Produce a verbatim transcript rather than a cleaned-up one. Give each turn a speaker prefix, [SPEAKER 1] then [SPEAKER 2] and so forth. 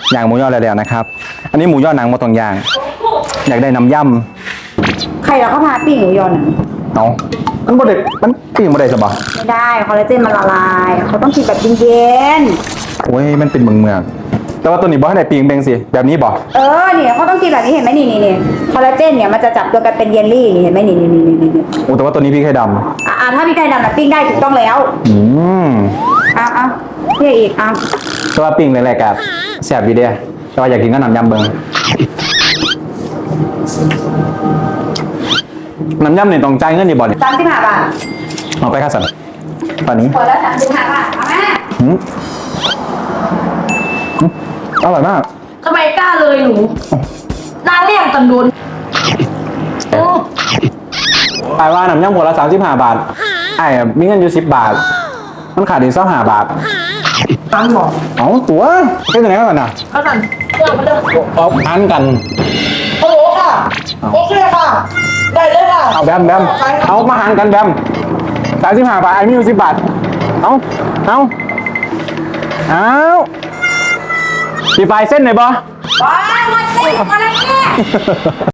[SPEAKER 1] ย่างหมูยอแล้วๆนะครับอันนี้หมูยอหนังมาตรงย่างอยากได้น้ำย่ำ
[SPEAKER 2] ใครเราก็พาปิ้งหมูยอหนัง
[SPEAKER 1] เอามันบ่ได้มันปิ้งบ่ได้สบะ
[SPEAKER 2] ไม่ได้คอลลาเจนมันละลายเขาต้องกินแบบเย็น
[SPEAKER 1] โอ้ยมันเป็นเมืองเมืองแต่ว่าตัวนี้บ่ให้ได้ปิ้งเบงสิแบบนี้บ่
[SPEAKER 2] ๆเออเนี่ยเขาต้องกินแบบนี้เห็นไหมนี่นี่นี่คอลลาเจนเนี่ยมันจะจับตัวกันเป็นเยลลี่นี่เห็นไหมนี่นี่นี่นี่นี่
[SPEAKER 1] โอ้แต่ว่าตัวนี้พี่ไข่ด
[SPEAKER 2] อ่าถ้าพี่ไก่ดำนะปิ้งได้ถูกต้องแล้ว
[SPEAKER 1] ำอืม
[SPEAKER 2] อ้าวอ้าวเรียกอีกอ้าว
[SPEAKER 1] แต่ว่าปิ้งแรกๆกับแซ่บดีเด้แต่ว่าอยากกินก็น้ำยำเบิงน้ำยำเนี่ยต้องจ่ายเงินนี่บ่เนี่ย
[SPEAKER 2] สามสิบห้าบาท
[SPEAKER 1] เอาไปค่ะสันตอนนี้
[SPEAKER 2] ขวดละสามสิบห้าบาทเอาแม่
[SPEAKER 1] อืมอืมอร่อยมาก
[SPEAKER 3] ทำไมกล้าเลยหนูนางเลี่ยงกันโดน
[SPEAKER 1] ปลายว่าน้ำย่ำหัวละสามสิบห้าบาทไอ้มีเงินอยู่สิบบาท มันขาดอีกสักห้าบาท
[SPEAKER 3] ตังบอก
[SPEAKER 1] เอาตัวแค่ไหนกันน่ะ
[SPEAKER 3] เขาสั่นเรื่องมาเรื่อง
[SPEAKER 1] เอาอันกัน
[SPEAKER 3] ฮัลโหลค่ะ โอเคค่ะ ได้เลยค่ะ
[SPEAKER 1] เอาแบมแบมเอามาหารกันแบมสามสิบห้าบาทไอ้มีอยู่สิบบาท เอาเอาเอาปีไฟเส้นหน่อยบ่
[SPEAKER 2] ว้าวมาสิมาเลยเนี่ย